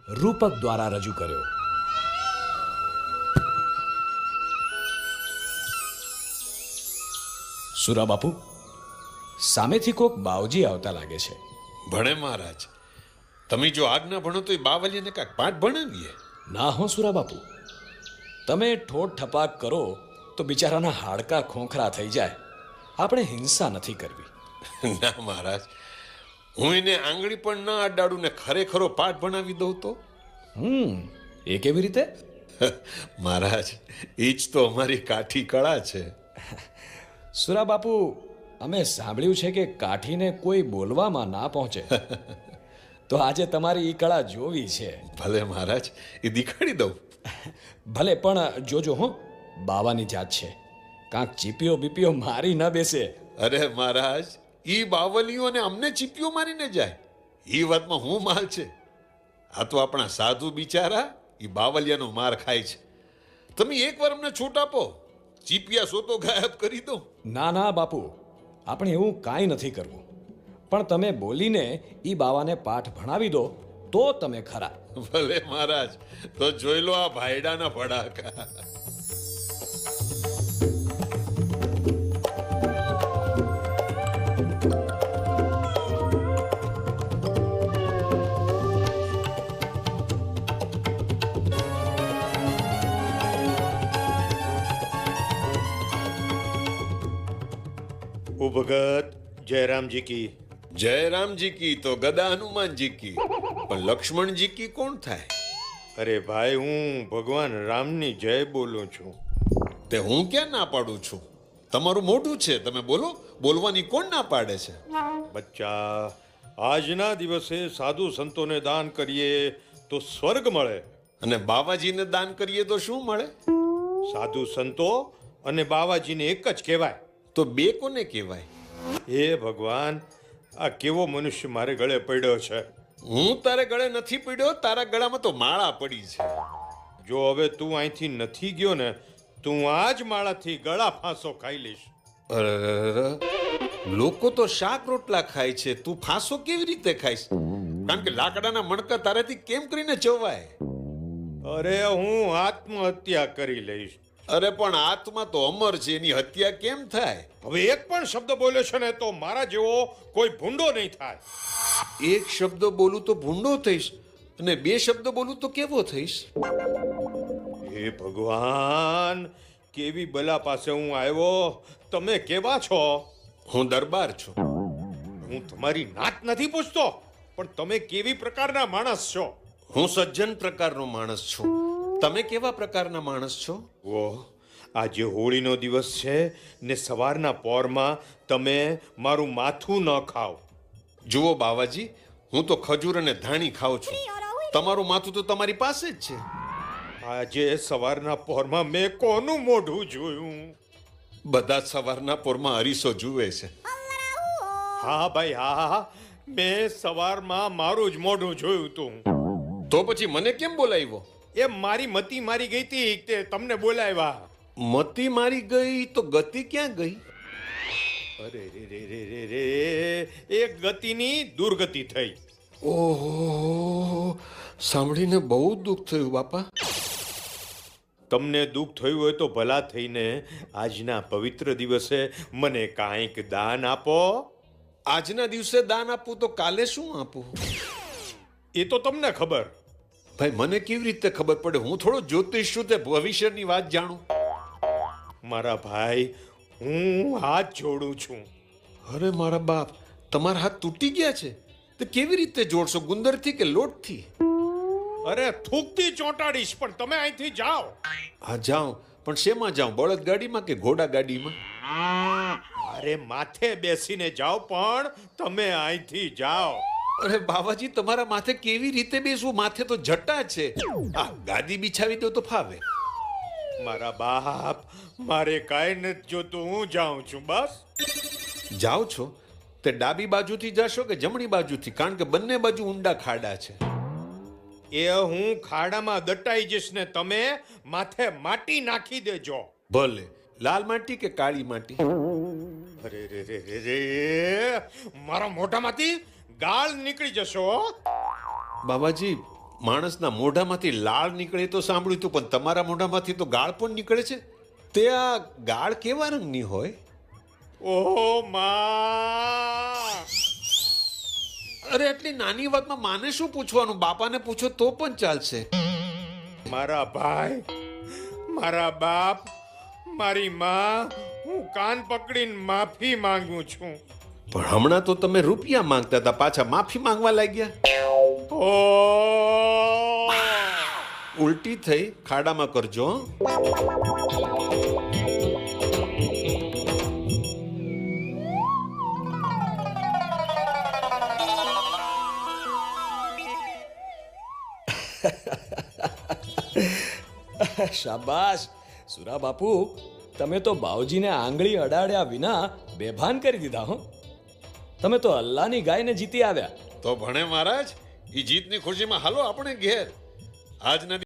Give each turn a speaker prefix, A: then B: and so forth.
A: રૂપક દ્વારા રજૂ કર્યો. સુરા બાપુ, સામેથી કોક બાવજી આવતા લાગે છે.
B: ભણે મહારાજ, તમે જો આજ્ઞા ભણો તો એ બાવલીને કાંઈક પાઠ ભણાવીએ.
A: ના હો સુરા બાપુ, તમે ઠોઠ ઠપાક કરો તો બિચારાના હાડકા ખોખરા થઈ જાય. આપણે હિંસા નથી કરવી.
B: ના મહારાજ, હું એને આંગળી પણ ના અડાડું ને ખરેખરો પાઠ ભણાવી દઉં તો?
A: એ કેવી રીતે?
B: મહારાજ, એ જ તો અમારી કાઠી કળા છે.
A: સુરા બાપુ, અમે સાંભળ્યું છે કે કાઠીને કોઈ બોલવામાં ના પહોંચે. તો આજે તમારી એ કળા જોવી છે.
B: ભલે મહારાજ, એ દેખાડી દઉં.
A: ભલે, પણ જોજો હો, બાવાની જાત છે, કાંક ચીપીઓ બીપીઓ મારી ન બેસે.
B: અરે મહારાજ, ઈ બાવલીઓને અમને ચીપિયો મારીને જાય, એ વાતમાં હું માલ છે? આ તો આપણા સાધુ બિચારા ઈ બાવલિયાનો માર ખાય છે. તમે એકવાર અમને છૂટ આપો, ચીપિયા સોતો ગાયબ કરી દો.
A: ના ના બાપુ, આપણે એવું કાંઈ નથી કરવું. પણ તમે બોલીને ઈ બાવાને પાઠ ભણાવી દો તો તમે ખરા.
B: ભલે મહારાજ, તો જોઈ લો આ ભાયડાના ભડાકા.
C: ઓ ભગત, જયરામજી કી.
B: જયરામજી કી તો ગદા હનુમાનજી કી, પણ લક્ષ્મણજી કી કોણ થાય?
C: અરે ભાઈ, હું ભગવાન રામની જય બોલું છું.
B: તે હું ક્યાં ના પાડું છું? તમારું મોઢું છે, તમે બોલો. બોલવાની કોણ ના પાડે છે?
C: બચ્ચા, આજના દિવસે સાધુ સંતોને દાન કરીએ તો સ્વર્ગ મળે,
B: અને બાવાજીને દાન કરીએ તો શું મળે?
C: સાધુ સંતો અને બાવાજીને એક જ કહેવાય.
B: તો બે કોને કહેવાય?
C: હે ભગવાન, આ કેવો મનુષ્ય મારે ગળે પડ્યો છે.
B: હું તારે ગળે નથી પડ્યો, તારા ગળામાં તો માળા પડી છે.
C: જો હવે તું અહીંથી નથી ગયો ને, તું આ જ માળાથી ગળા ફાંસો ખાઈ લઈશ.
B: અરે, લોકો તો શાક રોટલા ખાય છે, તું ફાંસો કેવી રીતે ખાઈશ? કારણ કે લાકડાના મણકા તારાથી કેમ કરીને ચવાય?
C: અરે, હું આત્મહત્યા કરી લઈશ.
B: અરે પણ આત્મા તો અમર છે, એની હત્યા કેમ થાય?
C: હવે એક પણ શબ્દ બોલ્યો છે ને તો મારા જેવો કોઈ ભૂંડો નહીં થાય.
B: એક શબ્દ બોલું તો ભૂંડો થઈશ, અને બે શબ્દ બોલું તો કેવો થઈશ?
C: હે ભગવાન, કેવી બલા પાસે હું આવ્યો. તમે કેવા છો?
B: હું દરબાર છું.
C: હું તમારી નાત નથી પૂછતો, પણ તમે કેવી પ્રકારના માણસ છો?
B: હું સજ્જન પ્રકારનો માણસ છું. તમે કેવા પ્રકારના માણસ છો?
C: ઓહ, આજે હોળીનો દિવસ છે ને સવારના પોરમાં તમે મારું માથું ન ખાઓ.
B: જુઓ બાવાજી, હું તો ખજૂર અને ધાણી ખાઉં છું. તમારું માથું તો તમારી પાસે જ છે.
C: આજે સવારના પોરમાં મેં કોનું મોઢું જોયું?
B: બધા જ સવારના પોરમાં અરીસો જુએ છે.
C: હા ભાઈ, હા, મેં સવારમાં મારું જ મોઢું જોયું તું.
B: તો પછી મને કેમ બોલાવ્યો?
C: એ મારી મતી મારી ગઈ હતી તે તમને બોલાવ્યા.
B: મતી મારી ગઈ તો ગતિ ક્યાં ગઈ?
C: અરે રે રે રે રે રે, એક ગતિની દુર્ગતિ થઈ.
B: ઓહો, સાંભળીને બહુ દુઃખ થયું બાપા.
C: તમને દુઃખ થયું હોય તો ભલા થઈને આજના પવિત્ર દિવસે મને કાંઈક દાન આપો.
B: આજના દિવસે દાન આપવું તો કાલે શું આપું?
C: એ તો તમને ખબર.
B: ભાઈ, મને કેવી રીતે ખબર પડે? હું થોડો જ્યોતિષ છું, તે ભવિષ્યની વાત જાણું.
C: મારા ભાઈ, હું હાથ જોડું છું.
B: અરે મારા બાપ, તમારા હાથ તૂટી ગયા છે? તો કેવી રીતે જોડશો? ગુંદરથી કે લોટથી?
C: અરે, થૂકથી ચોંટાડીશ, પણ તમે અહીંથી જાઓ.
B: હા જાઉં, પણ શેમાં જાઉં? બળદગાડીમાં કે ઘોડા ગાડીમાં?
C: અરે, માથે બેસીને જાઓ, પણ તમે અહીંથી જાઓ.
B: અરે બાવાજી, તમારા માથે કેવી રીતે બેસવું? માથે તો જટા છે. આ ગાદી બિછાવી દો તો ફાવે.
C: મારા બાપ, મારે કાંઈ નથી જોતું, હું જાઉં છું બસ.
B: જાઓ છો તે ડાબી બાજુથી જશો કે જમણી બાજુથી? કારણ કે બંને બાજુ ઊંડા ખાડા છે.
C: એ હું ખાડામાં દટાઈ જઈશ ને તમે માથે માટી નાખી દેજો.
B: ભલે, લાલ માટી કે કાળી માટી?
C: અરે રે રે રે રે, મારા મોઢામાંથી ગાળ નીકળી જશો.
B: બાબાજી, માણસના મોઢામાંથી લાળ નીકળે તો સાંભળ્યું હતું, પણ તમારા મોઢામાંથી તો ગાળ પણ નીકળે છે. તે આ ગાળ કેવા રંગની હોય?
C: ઓહો માં!
B: અરે એટલી નાની વાતમાં માને શું પૂછવાનું? બાપાને પૂછો તો પણ ચાલશે.
C: મારા ભાઈ, મારા બાપ, મારી માં, હું કાન પકડીને માફી માંગુ છું.
B: પણ હમણાં તો તમે રૂપિયા માંગતા હતા, પાછા માફી માંગવા લાગ્યા.
C: ઓ
B: ઉલટી થઈ ખાડામાં કરજો.
A: શાબાશ સુરા બાપુ, તમે તો બાવજીને આંગળી અડાડ્યા વિના બેભાન કરી દીધા હો. તમે તો અલ્લાહની ગાયને જીતી આવ્યા.
B: તો ભણે મહારાજ, એ જીતની ખુશીમાં હાલો આપણે ઘેર. આજના